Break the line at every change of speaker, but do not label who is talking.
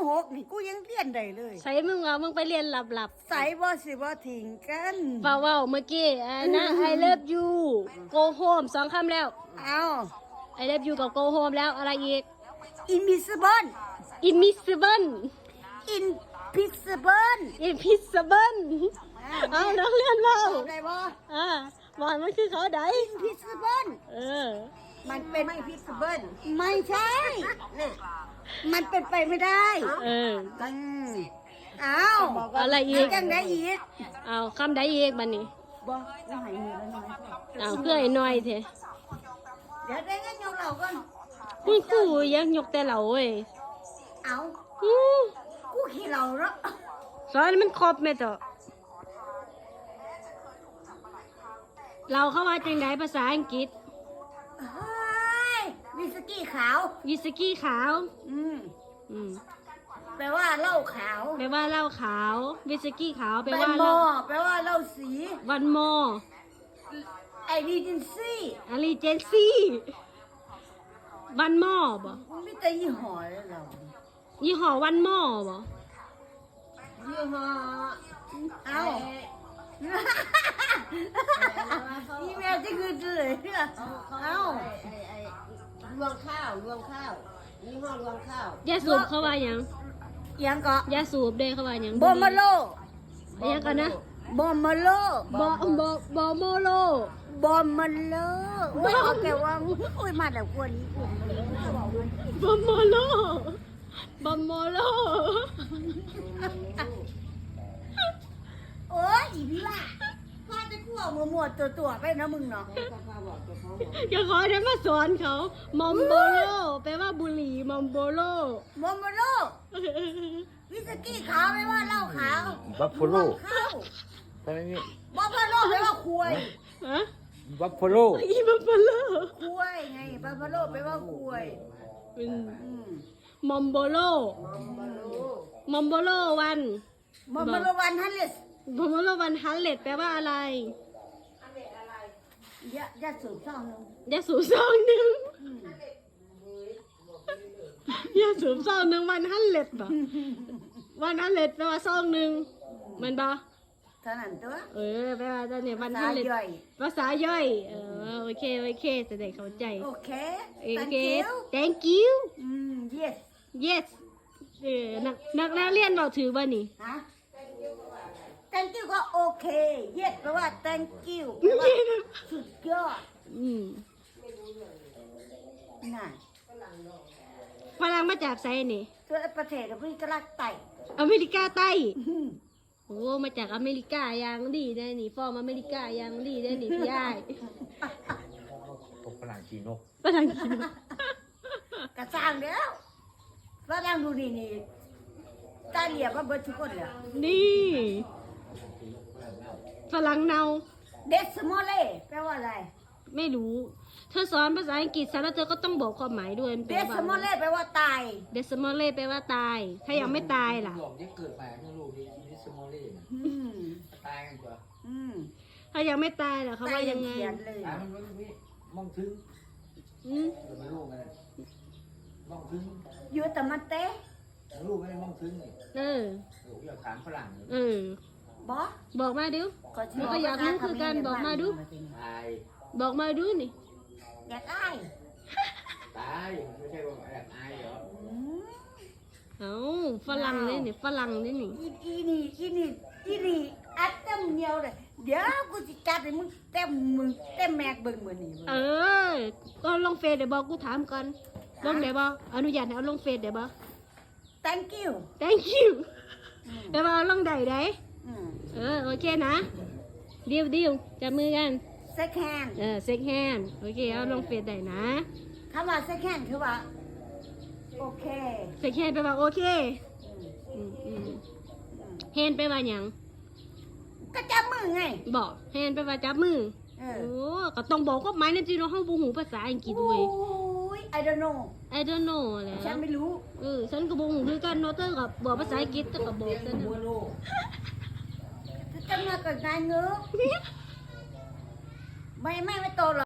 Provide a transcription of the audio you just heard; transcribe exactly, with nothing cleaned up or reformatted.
หกนี่กูยังเรียนได้เลย
ใส่มึงเอามึงไปเรียนหลับๆ
ใส่บ่สิบ่ทิ้งกัน
เว้าเว้าเมื่อกี้อ่านะ I love you go home สองคำแล้ว
เอา
I love you กับ go home แล้วอะไรอีก
invisible
invisible
invisible
invisible เอานักเรียนเรา
ได้บ่
อ่าบอกมันคือเขาใด
invisible
เออ
มันเป็นไม่ invisible ไม่ใช่มันเป็นไปไม่ได้
เออ
อืมเอา
อะไรอีก
จังได้อีก
เอาคำใดอีกบัดนี้
บ่ไม่ให้มีแล้วน้อย
เอาเพื่อไอ้น้อยเถอะ
เดี๋ยวได้งั้นยกเราก่อน
คุณครูยังยกแต่เราเว้ย
เอา
อือ
กูขี้เราแล้ว
สอนมันครบไหมต่อเราเข้ามาจังไดภาษาอังกฤษ
เฮ้ยวิสกี้ขาว
วิสกี้ขาว
อืม
อืม
แปลว่าเหล้าขาว
แปลว่าเหล้าขาว วิสกี้ขาวแปล
แปล
ว่า
โม
เหล้า
แปลว่าเหล้าสี
วันโม
ไอรีเจนซี่
อลีเจนซี่วันโมบ่
ไม่แต่ยี่ห้อเลยเรา
ยี่ห้อวันโมบ่
ยี่ห้อเอาอีเมลที่คือเจอเอา
รวงข้าวรวงข้าวยี่ห้อรวงข้าวย
าสูบเขาว่าหยัง
ยังก็
ยาสูบเด้เขาว่าหยัง
บอมาโล
เรียกกันนะ
บอมาโล
บอบอบอโมโล
บอมาโลว่าเอาแกว่าอุ้ยมาแต่กวนนี้กู
บอโมโลบอโมโล
โอ้ยอีพี่ล่ะพ่อจะกลัวมัวมัวตัวตัวๆไปนะมึงเนาะ
อย่าขอได้มาสอนเขามอมโบโลแปลว่าบุหรี่มอมโบโล
บอมาโลวิสกี้ขาวไม่ว่าเหล้าขาว
บัฟฟาโล
ข้าว
ทำไมนี่
บอมาโลแปลว่าคุย
ฮะ
บัฟฟาโล
อีบัฟฟาโล
คุยไงบอมาโลแปลว่าคุย
อืม
อืม
มอมโบโลมอมโบโลวัน
บอมาโลวันฮันเลส
มอมโบโลวันฮันเลตแปลว่าอะไร
ยะยะสูบซ่องนึง
ยาสูบซองหนึ่งยาสูบซองหนึ่งวันฮันเลตปะวันฮันเลตแปลว่าซองหนึ่งแมันปะ
เท่านั้นตัว
เออแปลว่าตอนนี้วัน
สา
ฮันเลต
ย่อย
ภาษาย่อย เออโอเคโอเคจะได้เข้าใจ
โอเค
โอ
thank
เค
you
thank you
อืม yes
yes เออนักนักนักเรียนเราถือว่านี่
ฮะ thank you ก็โอเค yes แปลว่า thank you แปลว่าสุดยอด
อืม
น่ะ
ฝรั่งมาจากไซนี่
ตัวประเทศเราเพิ่งกระลักไต่
อเมริกาใต้
อืม
โอ้ มาจากอเมริกาอย่างดีได้นี่ ฟอร์มอเมริกาอย่างดีได้นี่พี่ยาย
ตกฝรั่งจีนก
ฝรั่งกิน
กระสร้างแล้วฝรั่งดูนี่นี่ตาเหลียบว่าเบิร์ดทุกคนเลย
นี่ฝรั่งเนา
เดสโมเล่แปลว่าอะไร
ไม่รู้ เธอสอนภาษาอังกฤษแล้วเธอก็ต้องบอกความหมายด้วยมัน
เด
แปล
ส
ว่า
โมเล่แปลว่าตาย
เดสมอลเล่แปลว่าตาย ถ้ายังไม่ตายล่ะ
หลอกที่เกิดมาเมื่อลูกที่นิสโมเล่น่ะ
อืม
ตายกันกว่า
อืม
ถ้ายังไม่ตายล่ะเขาว่ายังไง
ตเขียนเลย
ตายมันไม่ไม่มองถึง
อืม
เกิดมาลูกไงมองถึง
อยู่แต่มันเต้
ลูกไม่ได้มองถึงนี่
เออ
โอ้ยอยากถามฝรั่งนี่
เออ
บอ
บอกมาดู
ก็
มันก็อยากรู้คือกันบอกมาดู
ตาย
บอกมาดูนี่
อยากได้
ตายไม่ใช่ว่าอยากตายเหรอ
อืม
เอ้าฝรั่งเนี่ยนี่ฝรั่งเนี่ยนี่
อีอีนี่อีนี่อีนี่อัดเต็มเหนียวเลยเดี๋ยวกูจะจัดให้มึงเต็มมึงเต็มแม็กเบิ่งมือนี่
เออก็ลงเฟซเดี๋ยวบอกกูถามก่อนลงเดี๋ยวบอกอนุญาตให้เอาลงเฟซเดี๋ยวบอก
thank you
thank you เดี๋ยวบอกเอาลงใดใด
อืม
เออโอเคนะเดียวเดียวจับมือกัน
second hand
เออเซ็กแฮนโอเคเอาลงเฟซได้นะ
คำว่า second hand คือว่าโอเค
เซ็กแฮนไปลว่าโอเค
อืม
อืมอืมแฮนไปลว่าหยัง
ก็จับมือไง
บอกแฮนไปลว่าจับมือ
เอ
โอ้
อ
ก็ต้องบอกก็หมายในจีนเราห้องบูหูภาษาอังกฤษเว้ย
โอ้ย I don't know
I don't know แหละ
ฉันไม่รู้
เออฉันก็บูหูคือกันเนาะเธอกับบอกภาษาอังกฤษเธอกับบอกฉัน
บัว
น่ะ
ลูก
จะมากับนายเงื้อไม่ไม่ไม่โตหรอก